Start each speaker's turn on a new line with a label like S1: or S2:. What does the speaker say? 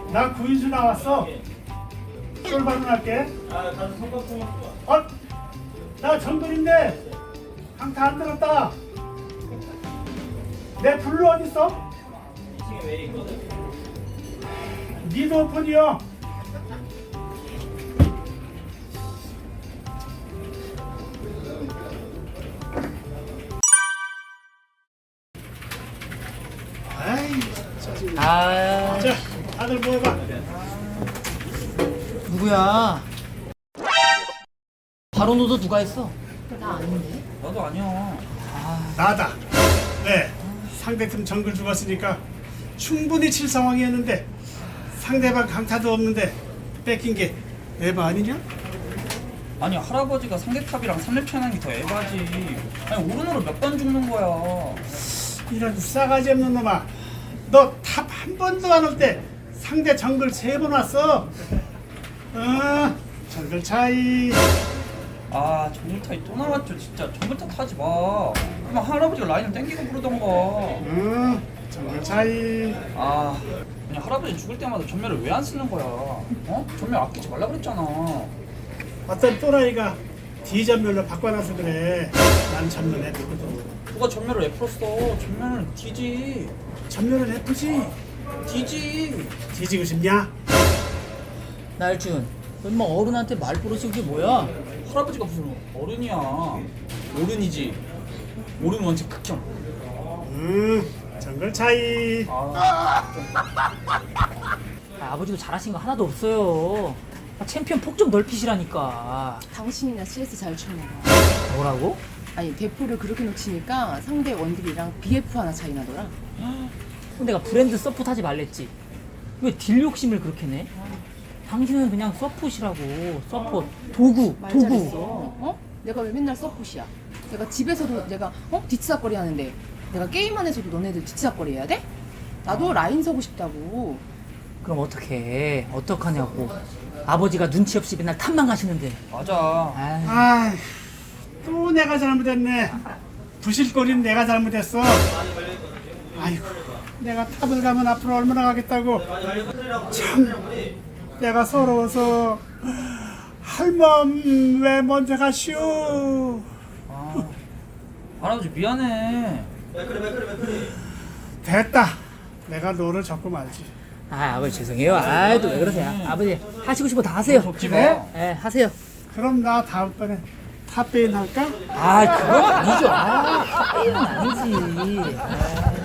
S1: 나 구인수 나왔어. 술 방문할게.
S2: 가서 성과풍
S1: 나 정글인데 강타 안 들었다. 내 블루 어딨어?
S2: 2층에 왜 있거든?
S1: 니드 오픈이요. 아이, 짜증나.
S3: 아,
S1: 자, 다들 모여봐.
S3: 누구야? 바로 너도 누가 했어?
S2: 나도 아니야.
S1: 나다. 네, 상대팀 정글 죽었으니까 충분히 칠 상황이었는데 상대방 강타도 없는데 뺏긴 게 에바 아니냐?
S2: 아니 할아버지가 상대탑이랑 3렙 차이나는 게 더 에바지. 아니 오른으로 몇 번 죽는 거야.
S1: 이런 싸가지 없는 놈아. 너 탑 한 번도 안 올 때 상대 정글 3번 왔어. 정글 차이.
S2: 아 정글타이 또 나왔죠 진짜. 정글타 타지 마. 그럼 할아버지가 라인을 땡기고 부르던가.
S1: 정글 차이.
S2: 아 그냥 할아버지 죽을 때마다 전멸을 왜 안 쓰는 거야? 어? 전멸 아끼지 말라 그랬잖아.
S1: 어떤 또라이가 D전멸로 바꿔놔서 그래. 난 전멸 F거든.
S2: 누가 전멸을 F로 써? 전멸은 D지.
S1: 전멸은 F지.
S2: D지.
S1: 뒤지고 싶냐?
S3: 날준, 너 인마 어른한테 말버릇이 그게 뭐야?
S2: 할아버지가 무슨 어른이야. 어른이지. 어른 원칙 극혐.
S1: 정글 차이.
S3: 아버지도 잘하신 거 하나도 없어요. 챔피언 폭 좀 넓히시라니까.
S4: 당신이나 CS 잘 추는 거.
S3: 뭐라고?
S4: 아니 대포를 그렇게 놓치니까 상대 원딜이랑 BF 하나 차이 나더라.
S3: 그럼 내가 브랜드 서폿 하지 말랬지. 왜 딜 욕심을 그렇게 내? 당신은 그냥 서폿이라고. 서폿. 도구.
S4: 말
S3: 도구.
S4: 잘했어. 어? 내가 왜 맨날 서폿이야? 내가 집에서도 내가 뒤치다거리 하는데 내가 게임 안에서도 너네들 뒤치다거리 해야 돼? 나도 라인 서고 싶다고.
S3: 그럼 어떡해. 어떡하냐고. 아버지가 눈치 없이 맨날 탑만 가시는데.
S2: 맞아.
S3: 아이.
S1: 아, 또 내가 잘못했네. 부실거리는 내가 잘못했어. 아이고, 내가 탑을 가면 앞으로 얼마나 가겠다고. 참, 내가 서러워서 할멈 왜 먼저 가시오.
S2: 할아버지 미안해.
S1: 됐다. 내가 너를 잡고 말지.
S3: 아, 아버지 죄송해요. 아이, 또 왜 그러세요? 아버지 하시고 싶은 거 다 하세요.
S2: 속지 마.
S3: 예, 하세요.
S1: 그럼 나 다음번에 탑베인 할까?
S3: 아, 그건 아니죠. 아, 이건 아니지. 아.